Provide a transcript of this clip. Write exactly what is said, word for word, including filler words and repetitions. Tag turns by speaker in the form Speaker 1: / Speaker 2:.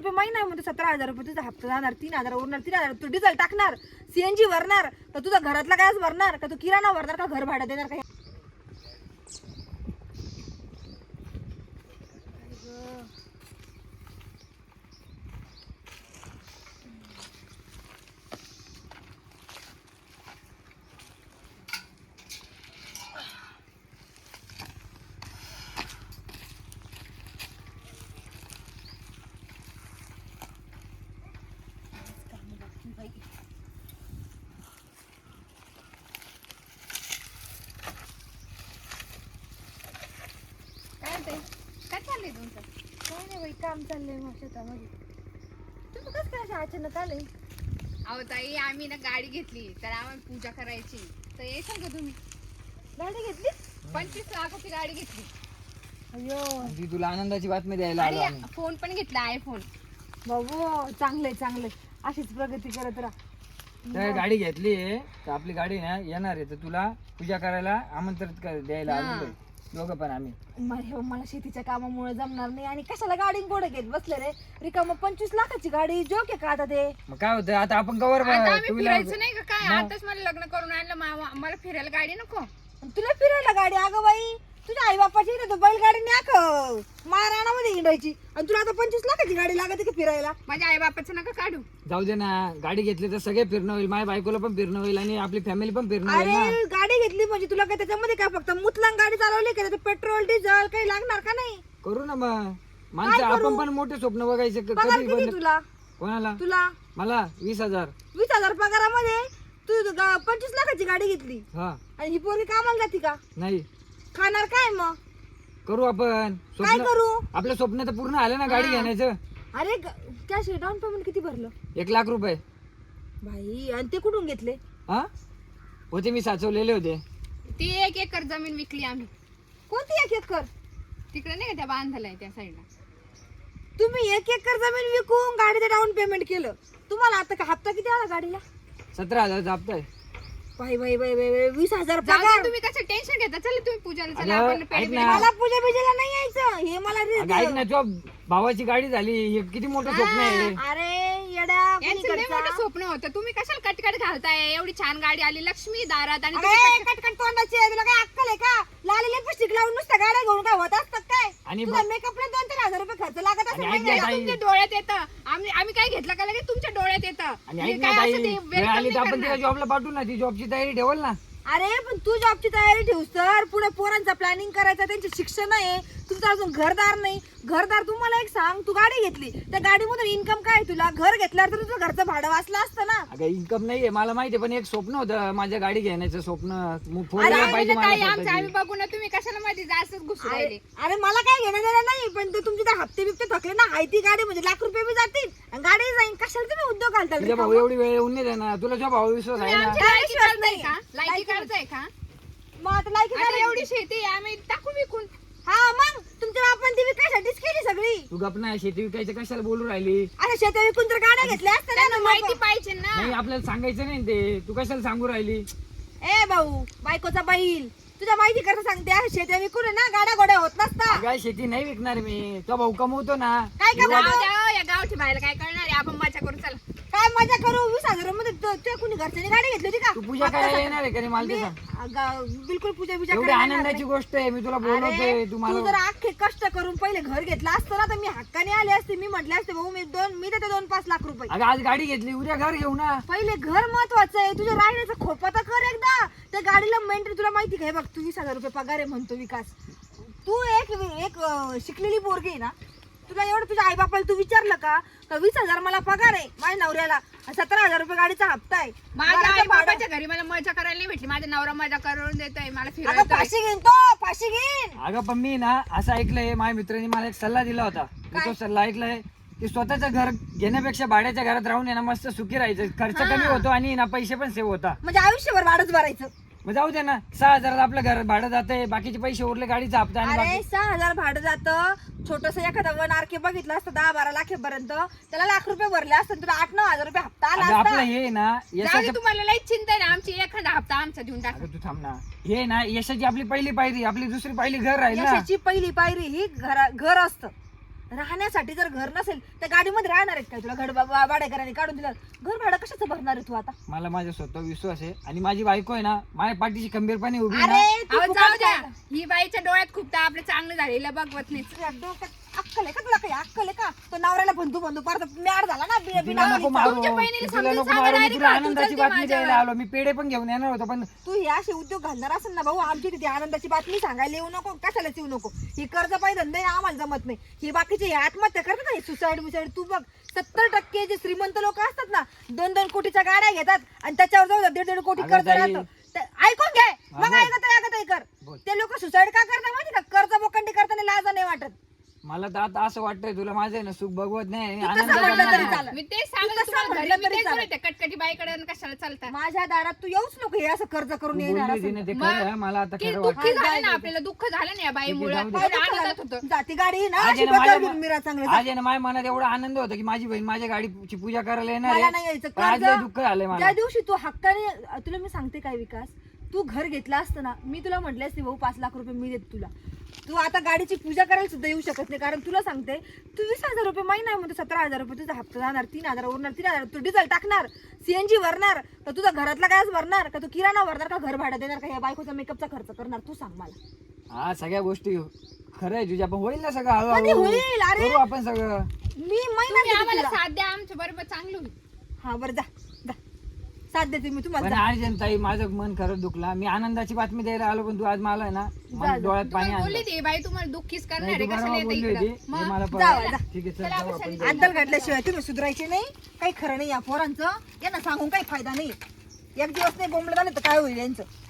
Speaker 1: रुपये महिना आहे म्हणतो, सतरा हजार रुपये तुझा हप्ता जाणार, तीन हजार उरणार, तीन हजार तू डिझेल टाकणार, सीएनजी भरणार, तर तुझा घरातला गॅस भरणार का, तू किराणा भरणार का, घर भाडं देणार का?
Speaker 2: काय चाललंय तुमचं?
Speaker 1: काय नाही बाई, काम चाललंय मग शेतामध्ये. तुम्ही कसं काय अशा अचानक आले?
Speaker 2: अहो ताई, आम्ही ना गाडी घेतली तर आम्हाला पूजा करायची, तर येशाल का तुम्ही?
Speaker 1: गाडी घेतली?
Speaker 2: पंचवीस लाखाची गाडी घेतली
Speaker 1: अयो
Speaker 3: ती तुला आनंदाची बातमी द्यायला आलो आम्ही.
Speaker 2: आणि फोन पण घेतला, आयफोन.
Speaker 1: बाबू चांगलंय चांगलंय, अशीच प्रगती करत राहा.
Speaker 3: तर गाडी घेतली तर आपली गाडी ना येणार आहे, तर तुला पूजा करायला आमंत्रित कर द्यायला आलेलो आहे. दोघं पण आम्ही.
Speaker 1: म- हे मला शेतीच्या कामामुळे जमणार नाही, आणि कशाला गाडी गोड घेत बसले रे, रिकाम पंचवीस लाखाची गाडी जोक आहे का आता ते?
Speaker 3: मग काय होतं आता आपण कवर
Speaker 2: आता आम्ही फिरायचं नाही का काय? आताच मला लग्न करून आणलं, मा- मला फिरायला गाडी नको.
Speaker 1: आणि तुला फिरायला गाडी? अगं बाई, तुझ्या आई बापाची ना, तू बैलगाडी न्या महाराणामध्ये हिंडायची, आणि तुला आता पंचवीस लाखाची गाडी लागते का फिरायला?
Speaker 2: माझ्या आई बापाचं नका काढू.
Speaker 3: जाऊ दे ना, गाडी घेतली तर सगळे फिरणं होईल, माझ्या बायकोला पण फिरणं होईल आणि आपली फॅमिली पण फिरणं होईल ना.
Speaker 1: अरे गाडी घेतली म्हणजे तुला काय त्याच्यामध्ये काय फक्त मुतलांग गाडी चालवली का, पेट्रोल डिझेल काही लागणार का नाही?
Speaker 3: करू ना मग माणसं, आपण पण मोठे स्वप्न बघायचे क-
Speaker 1: पगार
Speaker 3: कधी
Speaker 1: किती
Speaker 3: पण.
Speaker 1: तुला?
Speaker 3: कोणाला?
Speaker 1: तुला
Speaker 3: मला वीस हजार.
Speaker 1: वीस हजार पगारामध्ये तू गा- पंचवीस लाखाची गाडी घेतली,
Speaker 3: हा
Speaker 1: आणि ही पोरगी कामाला जाती का?
Speaker 3: नाही
Speaker 1: खाणार काय मग?
Speaker 3: करू आपण
Speaker 1: काय
Speaker 3: स्वप्न,
Speaker 1: करू?
Speaker 3: आपलं स्वप्न तर पूर्ण आलं ना गाडी घेण्याचं.
Speaker 1: अरे कॅश डाऊन पेमेंट किती भरलं
Speaker 3: एक लाख रुपये.
Speaker 1: भाई? आणि ते कुठून घेतले?
Speaker 3: हा होते, मी साचवलेले होते.
Speaker 2: ती एक एकर जमीन विकली आम्ही,
Speaker 1: कोणती एक एकर?
Speaker 2: तिकडे नाही का त्या बांधलाय त्या साईडला.
Speaker 1: तुम्ही एक एकर जमीन विकून गाडीचं डाऊन पेमेंट केलं. तुम्हाला आता का हप्ता किती आला गाडीला?
Speaker 3: सतरा हजार जापताय.
Speaker 1: बाई बाई बाई बाई बाई, वीस हजार
Speaker 2: जाऊ दे,
Speaker 1: पगार.
Speaker 2: तुम्ही कसं टेन्शन घेता? चला तुम्ही पूजाला चला,
Speaker 3: अगं,
Speaker 2: आपण पेढे
Speaker 3: ऐक
Speaker 2: बिढे
Speaker 3: ना.
Speaker 2: खाऊ.
Speaker 1: मला पूजा बिजेला नाही यायचं, हे मला रे-
Speaker 3: अगं ऐक ना, तुझ्या भावाची गाडी झाली, हे किती मोठं स्वप्न आहे.
Speaker 1: अरे येड्या
Speaker 2: यांचं लय
Speaker 1: कुणीकडचा?
Speaker 2: मोठं स्वप्न होतं. तुम्ही कशाला कटकट घालताय? एवढी छान गाडी आली लक्ष्मी दारात, आणि
Speaker 1: अरे
Speaker 2: तुम्ही कटकट-
Speaker 1: कटकट तोंडाची आहे, तुला काय अक्कल आहे का? लाल लिपस्टिक लावून नुसतं गाड्या घेऊन काय होत असतात काय?
Speaker 3: आणि
Speaker 1: तुझा मेकअपला दोन तीन हजार रुपये खर्च लागत असेल
Speaker 3: आणि ऐक
Speaker 1: महिन्याला.
Speaker 3: ना, ताई.
Speaker 2: तुमच्या डोळ्यात येतं. आम्ही आम्ही काय घेतलं का लगेच तुमच्या डोळ्यात येतं.
Speaker 3: आणि
Speaker 2: हे
Speaker 3: ऐक
Speaker 2: काय
Speaker 3: ना ताई,
Speaker 2: असं ते
Speaker 3: वेळ
Speaker 2: welcome
Speaker 3: आली तर
Speaker 2: नाही
Speaker 3: आपण तिला
Speaker 2: करणार.
Speaker 3: जॉबला पाठवू ना, ती जॉबची तयारी ठेवल ना.
Speaker 1: अरे पण तू जॉबची तयारी ठेवस तर पुढे पोरांचा प्लॅनिंग करायचा, त्यांचे शिक्षण आहे, तुमचं अजून घरदार नाही. घरदार तू मला एक सांग, तू गाडी घेतली, त्या गाडीमधून इन्कम काय तुला? घर घेतल्यावर तर तुझं घरचं भाडं वाचलं असतं ना.
Speaker 3: अगं इन्कम नाहीये मला माहिती, पण एक स्वप्न होतं माझ्या गाडी घेण्याचं स्वप्न. मग फोन
Speaker 2: अरे,
Speaker 3: यायला पाहिजे
Speaker 2: म्हणजे ताई,
Speaker 3: मला
Speaker 2: आमचं आम्ही
Speaker 3: स्वतःची.
Speaker 2: बघू ना, तुम्ही कशाला मध्ये जास्त घुसू
Speaker 1: अरे
Speaker 2: राहिले.
Speaker 1: अरे मला काय घेणं देणं नाही, पण ते तुमचे तर हप्ते बिप्ते थकले ना, हाय ती गाडी म्हणजे लाख रुपये बी जातील आणि गाडी जाईल. कशाला तुम्ही उद्योग घालता?
Speaker 3: तुझ्या भाऊ एवढी वेळ येऊन नाही देणार, तुला तुझ्या भाऊ विश्वास
Speaker 2: तुम्ही
Speaker 3: आहे ना.
Speaker 2: आमची
Speaker 1: काय
Speaker 2: लायकी
Speaker 1: विश्वास
Speaker 2: करताय
Speaker 1: नाही.
Speaker 2: का? लायकी
Speaker 1: लायकी
Speaker 2: करताय का?
Speaker 1: मग आता लायकी
Speaker 2: आता
Speaker 1: करायची.
Speaker 2: एवढी शेती आहे, आम्ही टाकू विकून.
Speaker 1: हा मग तुमच्या बापान ती विकायसाठीच केली सगळी.
Speaker 3: तू गप नाही, शेती विकायचं कशाला बोलू राहिली.
Speaker 1: अशा शेता विकून तर गाड्या घेतल्या असत्या ना.
Speaker 2: त्यांना माहिती पाहिजे ना.
Speaker 3: नाही आपल्याला सांगायचं नाही ते, तू कशाला सांगू राहिली.
Speaker 1: ए भाऊ, बायकोचा बैल, तुझ्या माहिती करता सांगते, अशा शेत्या विकून आहे ना गाड्या गोड्या होत नसता.
Speaker 3: काय शेती नाही विकणार मी, तो भाऊ कमवतो ना.
Speaker 1: काय
Speaker 2: जाऊ
Speaker 1: कमवतो?
Speaker 2: द्या, या गावठी बाहेर काय करणार आहे? आपण मजा करू चला.
Speaker 1: काय मजा करू? वीस हजारामध्ये तो- तुझ्या कुणी घरच्याने गाडी घेतली होती का?
Speaker 3: तू पूजा करायला येणार आहे का रे मला ते
Speaker 1: मी-
Speaker 3: सांग.
Speaker 1: अगं, बिलकुल पूजा बिजा
Speaker 3: एवढी
Speaker 1: करायला येणार
Speaker 3: आनंदाची
Speaker 1: नाही.
Speaker 3: गोष्ट आहे, मी तुला
Speaker 1: अरे,
Speaker 3: बोलवतोय
Speaker 1: तू
Speaker 3: तुम्हाला.
Speaker 1: जर अख्खे कष्ट करून पहिले घर घेतलं असतं ना, तर मी हक्काने आले असते. मी म्हटले असते भाऊ, मी दोन मी देते दोन पाच लाख रुपये.
Speaker 3: अगं आज गाडी घेतली, उद्या घर घेऊ ना.
Speaker 1: पहिले घर महत्वाचं आहे. तुझ्या राहण्याचा खोपा तर कर एकदा. त्या गाडीला मेंटेन तुला माहिती काय? बघ, तू वीस हजार रुपये पगार आहे म्हणतो विकास. तू एक एक अं, शिकलेली पोरगी आहे ना. तुला एवढं तुझ्या आई बापाला तू विचारलं का का वीस हजार मला पगार आहे माझ्या नवऱ्याला, आणि सतरा हजार रुपये गाडीचा हप्ता आहे.
Speaker 2: माझ्या
Speaker 1: घराचं
Speaker 2: आई
Speaker 1: भाडं-
Speaker 2: बाबाच्या घरी मला मजा करायला नाही भेटली. माझा नवरा मजा करून देतोय, मला
Speaker 1: अगं
Speaker 2: फिरायला.
Speaker 1: फाशी घेईन तो, फाशी घेईन.
Speaker 3: अगं पण मी ना असं ऐकलंय, माझ्या मित्राने मला एक सल्ला दिला होता. मी तो सल्ला ऐकलाय की स्वतःचं घर घेण्यापेक्षा भाड्याच्या घरात राहून आहे ना मस्त सुखी राहायचं. खर्च कमी होतो आणि ना पैसे पण सेव्ह होता.
Speaker 1: म्हणजे आयुष्यभर भाडंच भरायचं.
Speaker 3: मग जाऊ दे ना, सहा हजारात आपलं घर भाडं जातंय, बाकीचे पैसे उरले गाडीचा हप्ता आणि
Speaker 1: अरे
Speaker 3: बाकी-
Speaker 1: सहा हजार भाडं जातं. छोटस एखादा वन आर के बघितलं असतं दहा बारा लाखेपर्यंत, त्याला लाख रुपये भरले असते, तुला आठ नऊ हजार रुपये हप्ता आला
Speaker 3: अगं आपलं
Speaker 1: असता.
Speaker 3: हे ना
Speaker 2: जाऊ दे,
Speaker 3: यशाचं.
Speaker 2: तुम्हाला लई चिंता आहे ना आमची. एखादा हप्ता आमचा देऊन टाका.
Speaker 3: अगं तू थांब ना, हे ना यशाची आपली पहिली पायरी, आपली दुसरी पायरी घर राहील ना.
Speaker 1: यशाची पहिली पायरी ही घर घर असतं. राहण्यासाठी जर घर नसेल तर गाडीमध्ये राहणार आहेत काय तुला घर बा- भाडेकरांनी काढून दिलं घर भाडं कशाचं भरणार आहे तू आता
Speaker 3: मला माझ्या स्वतः विश्वास आहे आणि माझी बायको आहे ना माझ्या पाठीशी खंबीरपणे उभी आहे ना.
Speaker 1: अरे तू
Speaker 2: अहो,
Speaker 1: फुकट
Speaker 2: जाऊ द्या.
Speaker 1: काय?
Speaker 2: ही बाईच्या डोळ्यात खूप आपलं चांगलं झालेलं बघवत नाही.
Speaker 1: तुझ्या डोक्यात अक्कल आहे का तुला काही अक्कल आहे का तो नवऱ्याला बंधू बंधू परत मॅड झाला ना बि-
Speaker 3: तिला
Speaker 1: बिना
Speaker 3: नको
Speaker 1: मुलीचा.
Speaker 3: मारू
Speaker 2: तुमच्या बहिणीला
Speaker 3: तिला
Speaker 2: समजून
Speaker 3: नको
Speaker 2: सांगा
Speaker 3: मारू मी
Speaker 2: direct
Speaker 3: तुला
Speaker 2: का?
Speaker 3: आनंदाची
Speaker 2: तुमचं ते
Speaker 3: बातमी
Speaker 2: माझ्यावर.
Speaker 3: द्यायला आलो मी पेढे पण घेऊन येणार होतो पण
Speaker 1: तू हे असे उद्योग घालणार असेल ना भाऊ आमची तिथे आनंदाची बातमी सांगायला येऊ नको कशालाच येऊ नको ही कर्ज पाहिजे धंदे आम्हाला जमत नाही ही बाकीचे हे आत्महत्या करतात ना सुसाईड बिसाईड तू बघ सत्तर टक्के जे श्रीमंत लोक असतात ना दोन दोन कोटीच्या गाड्या घेतात आणि त्याच्यावर जाऊ दीड दीड कोटी
Speaker 3: अगं
Speaker 1: कर्ज
Speaker 3: ताई.
Speaker 1: राहतं ते- ऐकून घे मग
Speaker 3: बोल.
Speaker 1: ऐकत ऐकत कर
Speaker 3: बोल.
Speaker 1: ते लोक सुसाईड का करतात माहिती का कर्ज बोकंडी करताना लाज नाही वाटत
Speaker 3: मला तर आता असं वाटतंय तुला माझं आहे ना सुख बघवत नाही आणि
Speaker 1: तू कसं
Speaker 3: आनंद
Speaker 1: म्हटलं
Speaker 3: पण
Speaker 1: तरी
Speaker 3: नाही.
Speaker 1: चालेल.
Speaker 2: मी ते
Speaker 1: तू
Speaker 2: सांगत
Speaker 1: कसं
Speaker 2: तुम्हाला
Speaker 1: म्हटलं
Speaker 2: घरी मी
Speaker 1: तरी
Speaker 2: तेच
Speaker 1: चालेल.
Speaker 2: बोलते, कटकटी बाईकडे आणि कशाला चालतात.
Speaker 1: माझ्या दारात तू येऊच नको हे असं कर्ज करून
Speaker 3: तू
Speaker 1: येणार
Speaker 3: बोलली
Speaker 1: असेल
Speaker 3: होती ना ते
Speaker 2: मग
Speaker 3: खरं आहे, मला आता
Speaker 2: की
Speaker 3: खरं
Speaker 2: दुःखी
Speaker 3: वाटतं
Speaker 2: झालं ना आपल्याला दुःख झालं ना या बाईमुळे
Speaker 3: जाऊ दे.
Speaker 1: काय दुःख
Speaker 2: आनंदात
Speaker 1: झालं?
Speaker 2: होतं.
Speaker 1: जाती गाडी ना
Speaker 3: आज
Speaker 1: अशी
Speaker 3: आहे ना
Speaker 1: डोक्यावर
Speaker 3: माझ्या
Speaker 1: घेऊन मिरा चांगलं
Speaker 3: आज आहे ना माझ्या मनात एवढा आनंद होता की माझी बहीण माझ्या गाडीची पूजा करायला येणार
Speaker 1: मला
Speaker 3: आहे
Speaker 1: नाही यायचं
Speaker 3: पण आज
Speaker 1: कर्ज
Speaker 3: लय दुःख झालंय मला
Speaker 1: ज्या दिवशी तू हक्काने तुला मी सांगते काय विकास तू घर घेतला असतं ना मी तुला म्हटले असते भाऊ पाच लाख रुपये मी देते तुला तू आता गाडीची पूजा करायला सुद्धा येऊ शकत नाही कारण तुला सांगते तू वीस हजार रुपये महिना म्हणतो सतरा हजार रुपये तुझा हप्ता जाणार तीन हजार उरणार तीन हजार तू डिझेल टाकणार सीएनजी भरणार तर तुझा घरातला गॅस भरणार का तू किराणा भरणार का घर भाडं देणार का या बायकोचा मेकअपचा खर्च करणार तू सांग मला
Speaker 3: हा सगळ्या गोष्टी खरं आहे तुझ्या पण होईल ना सगळं
Speaker 1: कधी
Speaker 3: हळूहळू
Speaker 1: होईल? अरे.
Speaker 3: करू आपण सगळं
Speaker 1: मी
Speaker 2: तुम्ही
Speaker 1: महिना
Speaker 2: आम्हाला
Speaker 1: देते तुला.
Speaker 2: साथ द्या आमच्या बरोबर चांगलं होईल.
Speaker 1: हा बरं जा जा साथ देते मी तुम्हाला
Speaker 3: पण
Speaker 1: जा.
Speaker 3: आज जनताई माझं मन खरंच दुखला मी आनंदाची बातमी द्यायला आलो पण तू आज मला आहे ना माझ्या
Speaker 1: जा.
Speaker 3: डोळ्यात पाणी
Speaker 2: तुम्हाला बोलली
Speaker 3: आणलं
Speaker 2: ती बाई तुम्हाला दुःखीच करणार
Speaker 3: नाही,
Speaker 2: आहे
Speaker 3: तू
Speaker 2: कशाला
Speaker 3: बरोबर
Speaker 2: येते
Speaker 3: बोलली
Speaker 2: इकडं?
Speaker 3: होती हे
Speaker 2: मग
Speaker 3: मला
Speaker 1: जावा,
Speaker 3: पळालं.
Speaker 1: जा.
Speaker 3: ठीक आहे चल
Speaker 2: चला,
Speaker 3: जाऊ
Speaker 2: आपण
Speaker 3: आपण
Speaker 2: शाळेत
Speaker 1: अंदर घातल्याशिवाय तुम्ही सुधारायचे नाही काही खरं नाही या पोरांचं यांना सांगून काही फायदा नाही एक दिवस नाही बोंबलं झालं तर काय होईल यांचं